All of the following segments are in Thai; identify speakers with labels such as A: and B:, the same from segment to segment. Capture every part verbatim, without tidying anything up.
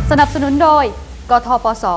A: สนับสนุนโดยกทปส.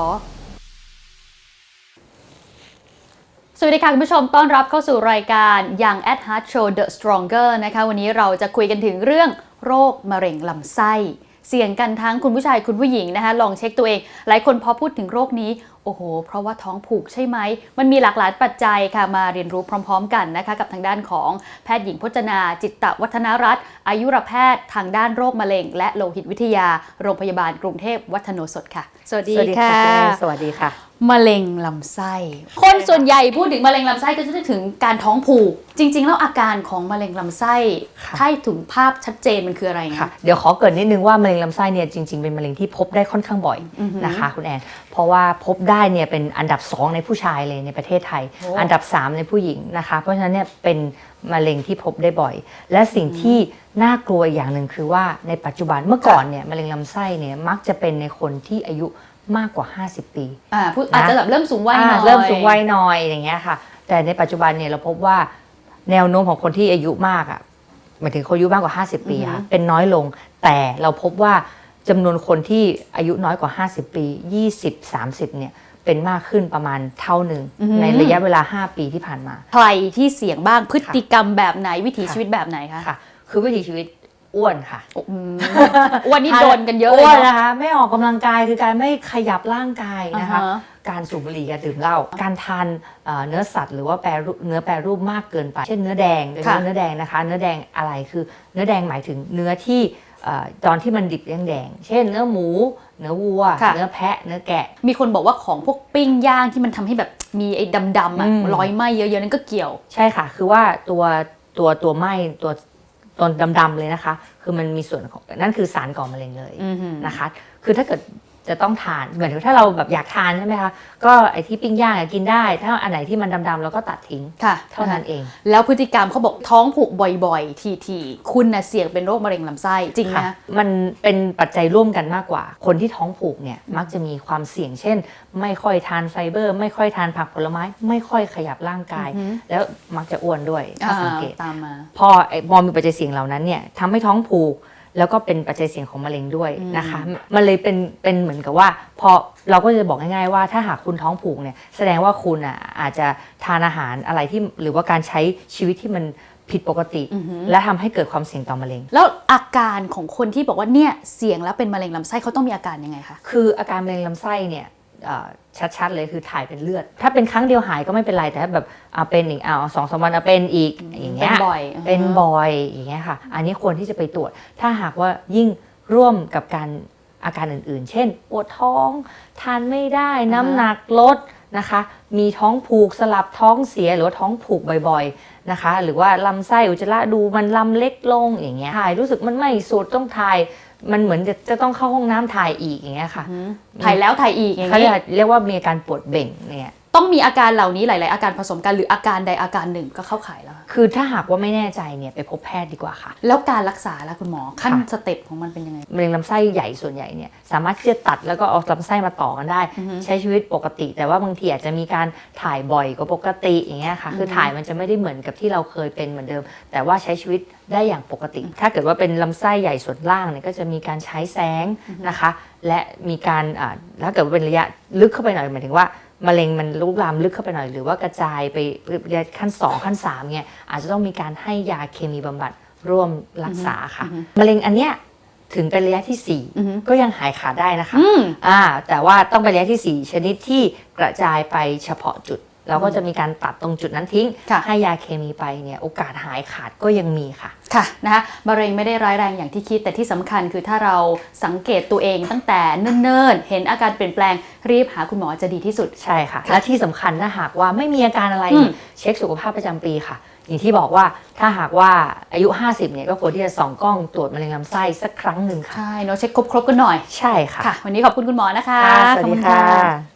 A: สวัสดีค่ะคุณผู้ชมต้อนรับเข้าสู่รายการ Young at Heart Show The Stronger นะคะวันนี้เราจะคุยกันถึงเรื่องโรคมะเร็งลำไส้เสี่ยงกันทั้งคุณผู้ชายคุณผู้หญิงนะคะลองเช็คตัวเองหลายคนพอพูดถึงโรคนี้โอ้โหเพราะว่าท้องผูกใช่ไหมมันมีหลากหลายปัจจัยค่ะมาเรียนรู้พร้อมๆกันนะคะกับทางด้านของแพทย์หญิงพจนาจิตตวัฒนรัตน์อายุรแพทย์ทางด้านโรคมะเร็งและโลหิตวิทยาโรงพยาบาลกรุงเทพวัฒโนสถค่ะสวัสดีค่ะ
B: สวัสดีค่ะ
A: มะเร็งลำไส้คนส่วนใหญ่พูดถึงมะเร็งลำไส้ก็จะนึกถึงการท้องผูกจริงๆแล้วอาการของมะเร็งลำไส้ถ้าถึงภาพชัดเจนมันคืออะไรนะ
B: เดี๋ยวขอเกริ่นนิดนึงว่ามะเร็งลำไส้เนี่ยจริงๆเป็นมะเร็งที่พบได้ค่อนข้างบ่อยนะคะคุณแอนเพราะว่าพบได้เนี่ยเป็นอันดับสองในผู้ชายเลยในประเทศไทยอันดับสามในผู้หญิงนะคะเพราะฉะนั้นเนี่ยเป็นมะเร็งที่พบได้บ่อยและสิ่งที่น่ากลัวอย่างหนึ่งคือว่าในปัจจุบันเมื่อก่อนเนี่ยมะเร็งลำไส้เนี่ยมักจะเป็นในคนที่อายุมากกว่าห้าสิบปี
A: อ่าอาจจะแบบเริ่มสูงวัยหน่อย
B: เริ่มสูงวัยหน่อยอย่างเงี้ยค่ะแต่ในปัจจุบันเนี่ยเราพบว่าแนวโน้มของคนที่อายุมากอ่ะหมายถึงคนอายุมากกว่าห้าสิบปีค่ะเป็นน้อยลงแต่เราพบว่าจำนวนคนที่อายุน้อยกว่าห้าสิบปียี่สิบ สามสิบเนี่ยเป็นมากขึ้นประมาณเท่าหนึ่งในระยะเวลาห้าปีที่ผ่านมา
A: ใครที่เสี่ยงบ้างพฤติกรรมแบบไหนวิถีชีวิตแบบไหนคะ
B: ค่ะคือวิถีชีวิตอ้วนค่ะ
A: อ้วนนี่โดนกันเยอะ
B: เลยนะคะไม่ออกกำลังกายคือการไม่ขยับร่างกายนะคะการสูบบุหรี่การดื่มเหล้าการทานเนื้อสัตว์หรือว่าแปรเนื้อแปรรูปมากเกินไปเช่นเนื้อแดงโดยเฉพาะเนื้อแดงนะคะเนื้อแดงอะไรคือเนื้อแดงหมายถึงเนื้อที่ตอนที่มันดิบแดงๆเช่นเนื้อหมูเนื้อวัวเนื้อแพะเนื้อแกะ
A: มีคนบอกว่าของพวกปิ้งย่างที่มันทำให้แบบมีไอ้ดำๆอ่ะรอยไหม้เยอะๆนั่นก็เกี่ยว
B: ใช่ค่ะคือว่าตัวตัวตัวไหม้ตัวตัวดำๆเลยนะคะคือมันมีส่วนของนั่นคือสารก่อมะเร็งเลยนะคะคือถ้าเกิดจะต้องทานเหมือนถ้าเราแบบอยากทานใช่ไหมคะก็ไอ้ที่ปิ้งย่างกินได้ถ้าอันไหนที่มันดำๆเราก็ตัดทิ้งเท่านั้นเอง
A: แล้วพฤติกรรมเขาบอกท้องผูกบ่อยๆทีๆคุณน่ะเสี่ยงเป็นโรคมะเร็งลำไส้จริงไหม
B: มันเป็นปัจจัยร่วมกันมากกว่าคนที่ท้องผูกเนี่ยมักจะมีความเสี่ยงเช่นไม่ค่อยทานไฟเบอร์ไม่ค่อยทานผักผลไม้ไม่ค่อยขยับร่างกายแล้วมักจะอ้วนด้วยถ้าสังเกต
A: ตามมา
B: พอพอมีปัจจัยเสี่ยงเหล่านั้นเนี่ยทำให้ท้องผูกแล้วก็เป็นปัจจัยเสี่ยงของมะเร็งด้วยนะคะมันเลยเป็นเป็นเหมือนกับว่าพอเราก็จะบอกง่ายๆว่าถ้าหากคุณท้องผูกเนี่ยแสดงว่าคุณอ่ะอาจจะทานอาหารอะไรที่หรือว่าการใช้ชีวิตที่มันผิดปกติและทำให้เกิดความเสี่ยงต่อมะเร็ง
A: แล้วอาการของคนที่บอกว่าเนี่ยเสี่ยงแล้วเป็นมะเร็งลำไส้เขาต้องมีอาการยังไงคะ
B: คืออาการมะเร็งลำไส้เนี่ยชัดๆเลยคือถ่ายเป็นเลือดถ้าเป็นครั้งเดียวหายก็ไม่เป็นไรแต่ถ้าแบบเป็นอีกเอาสองสามวันเป็นอีกอย่างเงี้ย
A: เป็นบ่อย
B: เป็นบ่อยอย่างเงี้ยค่ะอันนี้ควรที่จะไปตรวจถ้าหากว่ายิ่งร่วมกับการอาการอื่นๆเช่นปวดท้องทานไม่ได้น้ำหนักลดนะคะมีท้องผูกสลับท้องเสียหรือว่าท้องผูกบ่อยๆนะคะหรือว่าลำไส้อุจจาระดูมันลำเล็กลงอย่างเงี้ยถ่ายรู้สึกมันไม่สุดต้องถ่ายมันเหมือนจะจะต้องเข้าห้องน้ำถ่ายอีกอย่างเงี้ยค่ะ
A: ถ่ายแล้วถ่ายอีกอย่างเงี้
B: ยเรียกว่ามีอาการปวดเบ่งเนี่ย
A: ต้องมีอาการเหล่านี้หลายๆอาการผสมกันหรืออาการใดอาการหนึ่งก็เข้าข่ายแล้ว
B: คือถ้าหากว่าไม่แน่ใจเนี่ยไปพบแพทย์ดีกว่าค่ะ
A: แล้วการรักษาล่ะคุณหมอขั้นสเต็ปของมันเป็นยังไง
B: มะเร็งลำไส้ใหญ่ส่วนใหญ่เนี่ยสามารถที่จะตัดแล้วก็เอาลำไส้มาต่อกันได้ใช้ชีวิตปกติแต่ว่าบางทีอาจจะมีการถ่ายบ่อยกว่าปกติอย่างเงี้ยค่ะคือถ่ายมันจะไม่ได้เหมือนกับที่เราเคยเป็นเหมือนเดิมแต่ว่าใช้ชีวิตได้อย่างปกติถ้าเกิดว่าเป็นลำไส้ใหญ่ส่วนล่างเนี่ยก็จะมีการใช้แสงนะคะและมีการถ้าเกิดว่าเป็นระยะลึกเข้าไปหน่อยหมายถึงว่ามะเร็งมันลุกลามลึกเข้าไปหน่อยหรือว่ากระจายไปขั้นสองขั้นสามเนี่ยอาจจะต้องมีการให้ยาเคมีบำบัดร่วมรักษาค่ะมะเร็งอันเนี้ยถึงเป็นระยะที่สี่ก็ยังหายขาดได้นะคะอ่าแต่ว่าต้องเป็นระยะที่สี่ชนิดที่กระจายไปเฉพาะจุดเราก็จะมีการตัดตรงจุดนั้นทิ้งให้ยาเคมีไปเนี่ยโอกาสหายขาดก็ยังมีค่ะ
A: ค่ะนะคะมะเร็งไม่ได้ร้ายแรงอย่างที่คิดแต่ที่สำคัญคือถ้าเราสังเกตตัวเองตั้งแต่เนิ่นๆเห็นอาการเปลี่ยนแปลงรีบหาคุณหมอจะดีที่สุด
B: ใช่ค่ะและที่สำคัญถ้าหากว่าไม่มีอาการอะไรเช็คสุขภาพประจำปีค่ะอย่างที่บอกว่าถ้าหากว่าอายุห้าสิบเนี่ยก็ควรที่จะส่องกล้องตรวจมะเร็งลำไส้สักครั้งหนึ่งค่ะ
A: ใช่เนาะเช็คครบๆกันหน่อย
B: ใช่ค่ะ
A: วันนี้ขอบคุณคุณหมอนะคะ
B: สวัสดีค่ะ